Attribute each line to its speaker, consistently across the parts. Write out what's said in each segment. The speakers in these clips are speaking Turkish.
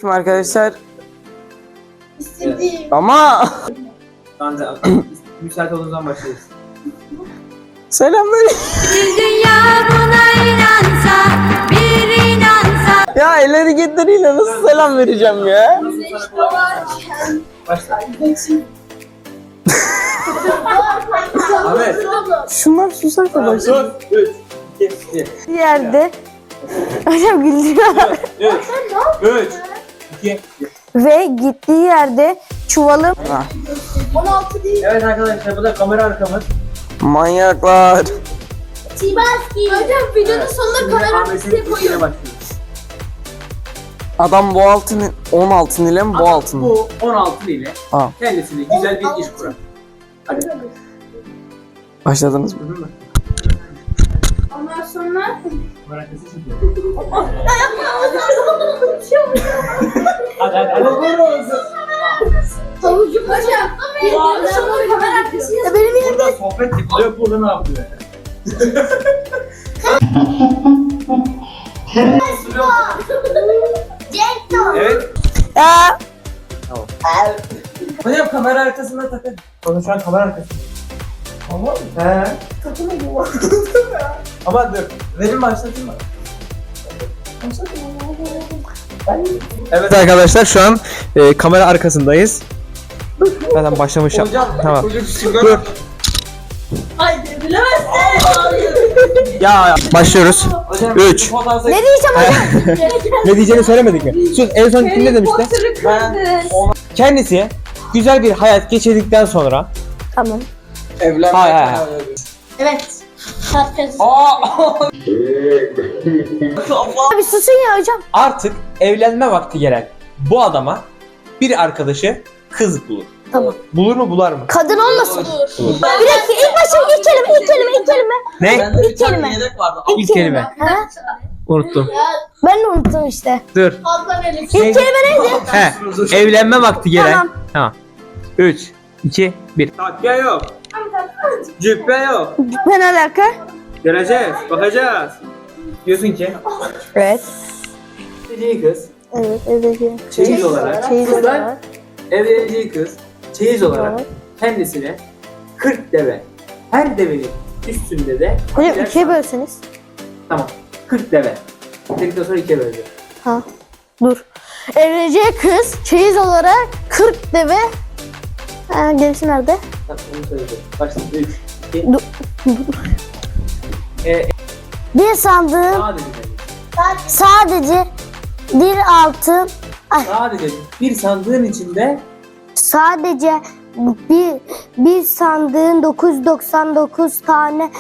Speaker 1: Selamünaleyküm arkadaşlar.
Speaker 2: İstediğim.
Speaker 1: Ama
Speaker 3: Ben de müsait olduğunuz zaman başlayız.
Speaker 1: selamünaleyküm.
Speaker 4: Dünya buna inansa, bir inansa.
Speaker 1: Ya elleri getiriyle nasıl selam vereceğim ya?
Speaker 3: Başla. Ahmet.
Speaker 1: Şunlar susarsa başlayalım.
Speaker 3: 3, 2, 1.
Speaker 5: Bir yerde hocam güldürüyorlar
Speaker 3: 3, 2, 1.
Speaker 5: ve gittiği yerde çuvalı
Speaker 2: 16 değil.
Speaker 3: Evet arkadaşlar bu da kamera arkamız.
Speaker 1: Manyaklar.
Speaker 2: Tibaski. Hocam videonun sonunda
Speaker 3: Şimdi
Speaker 2: kamera
Speaker 3: Ahmet'in
Speaker 2: arkasına
Speaker 3: işine
Speaker 2: koyuyorum.
Speaker 3: başlıyoruz.
Speaker 1: Adam bu altın 10 altın ile mi bu
Speaker 3: Ama
Speaker 1: altın?
Speaker 3: Bu 16 ile
Speaker 1: Aa.
Speaker 3: kendisine güzel bir iş kurar. Hadi.
Speaker 1: Başladınız mı?
Speaker 3: Hı hı.
Speaker 2: Ondan sonra
Speaker 3: Kamera arkası çekiyor. Hadi hadi hadi.
Speaker 2: havucu hocam. Videonun sonunda kamera arkasına. Benim
Speaker 3: Burada sohbet yapılıyor. Burada ne yapıyor? Evet.
Speaker 5: ya
Speaker 3: Hocam kamera arkasında takın. Bana şu an kamera arkasında. Tamam mı? He. Ama dur. Verin başlatayım mı? Evet arkadaşlar şu an kamera arkasındayız. Zaten başlamışım. Tamam. Dur.
Speaker 2: Haydi bilemezsin.
Speaker 3: Ya başlıyoruz. 3.
Speaker 5: ne diyeceğim hocam?
Speaker 3: Ne diyeceğini söylemedik mi? Sus, en son ne demişti? Kendisi güzel bir hayat geçirdikten sonra
Speaker 5: Tamam.
Speaker 3: Hayır.
Speaker 2: Evet. Şarkı.
Speaker 5: Abi susun ya hocam.
Speaker 3: Artık evlenme vakti gelen bu adama bir arkadaşı kız bulur.
Speaker 5: Tamam.
Speaker 3: Bulur mu bular mı?
Speaker 5: Kadın olmasın. Bir dakika ilk başta ilk kelime.
Speaker 3: Ne?
Speaker 5: İlk kelime.
Speaker 3: İlk kelime.
Speaker 5: Ha?
Speaker 3: Unuttum.
Speaker 5: Ben de unuttum işte.
Speaker 3: Dur.
Speaker 2: Fazla verin.
Speaker 5: İlk kelime neydi?
Speaker 3: He. Evlenme vakti gelen.
Speaker 5: Tamam.
Speaker 3: Tamam. 3, 2, 1. Takviye yok. Cübbe yok.
Speaker 5: Ne alaka?
Speaker 3: Göreceğiz. Bakacağız. Diyorsun ki
Speaker 5: Evet.
Speaker 3: evleneceği kız
Speaker 5: Evet.
Speaker 3: çeyiz olarak
Speaker 5: Çeyiz
Speaker 3: kızlar
Speaker 5: olarak.
Speaker 3: evleneceği kız çeyiz olarak
Speaker 5: Evet.
Speaker 3: kendisine 40 deve. Her devenin üstünde de
Speaker 5: Hocam
Speaker 3: birer
Speaker 5: ikiye
Speaker 3: saat.
Speaker 5: bölseniz.
Speaker 3: Tamam. 40 deve. Dedikten sonra 2'ye böleceğim.
Speaker 5: Ha. Dur. Evleneceği kız çeyiz olarak 40 deve. Ha, gerisi nerede?
Speaker 3: Tamam onu söyleyeceğim. Başla. 3, 2,
Speaker 5: Dur. Bir sandığın
Speaker 3: sadece
Speaker 5: sadece bir altın
Speaker 3: sadece bir sandığın içinde
Speaker 5: sadece bir sandığın 999 tane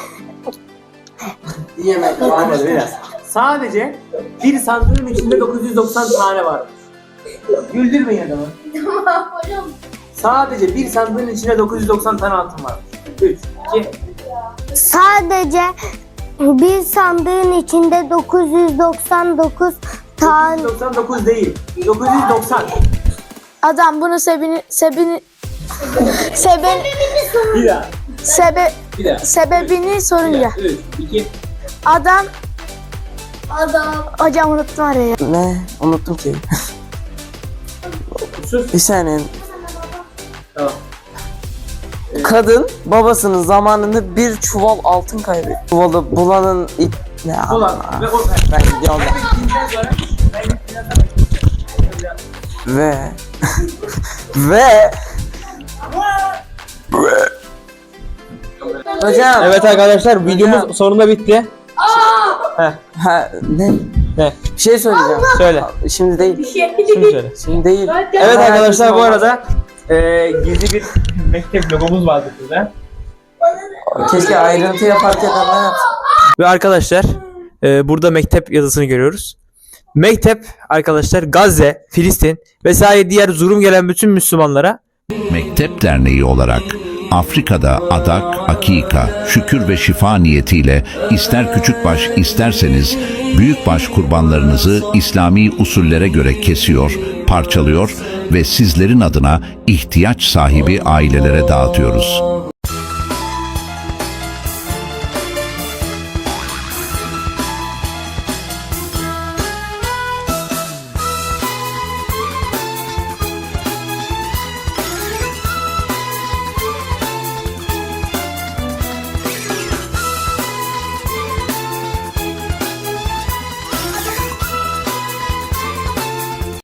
Speaker 3: Anladım biraz. Sadece bir sandığın içinde 990 tane var. Güldürmeyin adamı.
Speaker 2: Tamam hocam.
Speaker 3: Sadece bir sandığın içinde 990 tane altın var. 3, 2,
Speaker 5: sadece bir sandığın içinde 999 tane
Speaker 3: 999 değil. 990.
Speaker 5: adam bunu sebebini
Speaker 3: Bir daha. Bir daha.
Speaker 5: sebebini sorunca
Speaker 3: 3, 2,
Speaker 5: adam
Speaker 2: Adam.
Speaker 5: hocam unuttum araya.
Speaker 1: Ne? Unuttum ki.
Speaker 3: sus.
Speaker 1: Bir saniye.
Speaker 3: Tamam.
Speaker 1: Kadın babasının zamanında bir çuval altın kaybetti. Çuvalı bulanın ne
Speaker 3: Ulan.
Speaker 1: Allah.
Speaker 3: Ve o
Speaker 1: Ben gidiyorum.
Speaker 3: gittiğinden sonra ben gittiğinden sonra
Speaker 1: ve hocam.
Speaker 3: Evet arkadaşlar videomuz sonunda bitti.
Speaker 1: Ha, ne?
Speaker 3: Ne?
Speaker 1: Bir şey söyleyeceğim.
Speaker 3: Söyle.
Speaker 1: Şimdi değil.
Speaker 3: Şimdi söyle.
Speaker 1: Şimdi değil.
Speaker 3: Evet arkadaşlar bu arada gizli bir mektep logomuz vardı burada.
Speaker 1: Keşke ayrıntı yaparken ama yapsın.
Speaker 3: Ve arkadaşlar burada mektep yazısını görüyoruz. Mektep arkadaşlar Gazze, Filistin vesaire diğer zulüm gelen bütün Müslümanlara
Speaker 6: Mektep Derneği olarak Afrika'da adak, akika, şükür ve şifa niyetiyle ister küçükbaş isterseniz büyükbaş kurbanlarınızı İslami usullere göre kesiyor, parçalıyor ve sizlerin adına ihtiyaç sahibi ailelere dağıtıyoruz.